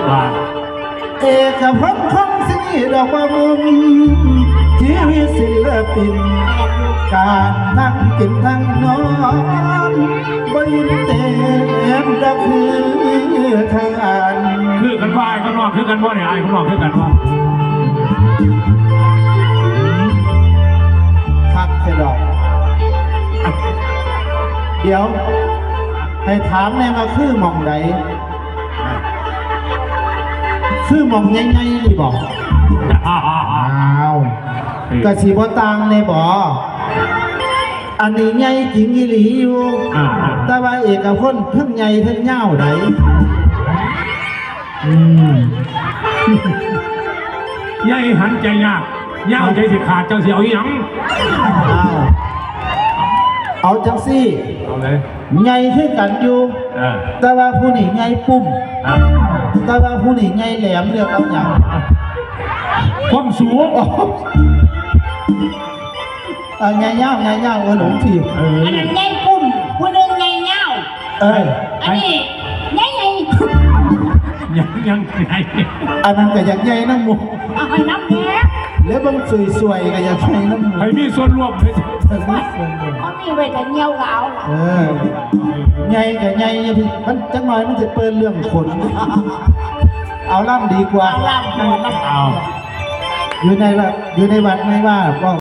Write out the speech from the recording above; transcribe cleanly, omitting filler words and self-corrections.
ว่าเอกพจน์คงสิดอกว่ามุมชีวิตศิลปินการทั้งกินทั้งนอนบ่ยินเต็มดอกคือทางอ่านคือกันว่าไอ้ข้างนอกคือกันว่าเนี่ยไอ้ข้างนอกคือกันว่าคักแค่ดอกเดี๋ยวให้ถามแน่มาคือหม่องใดคือหม่องใหญ่ๆนี่บอกอ้าวกะสิบ่ต่างในบ่อันนี้ใหญ่จริงอีหลีอยู่แต่ว่าเอกพจน์เพิ่งใหญ่เพิ่งยาวไดใหญ่หันใจยากยาวใจสิขาดเจ้าเสียวยังเอาจังซี่เอาเลยใหญ่คือกันอยู่แต่ว่าผู้นี้ใหญ่ปุ่มแต่ว่าผู้นี้ใหญ่แหลมเรียกเอาอย่างความสูงใหญ่ยาวหลงทีอันนั้นใหญ่ปุ่มผู้หนึ่งใหญ่เงาอันนี้ใหญ่ยังอันนั้นก็อยากใหญ่น้ำมูกเอาไปน้ำแดงแล้วบางสวยๆก็อยากใหญ่น้ำมูกให้มีส่วนร่วมเลยเขามีไว้แต่เงี้ยวก็เอาใหญ่กับใหญ่มันจังหน่อยมันจะเปิดเรื่องขนเอาล่ำดีกว่าเอาล่ำเอาอยู่ในวัดไม่ว่าก็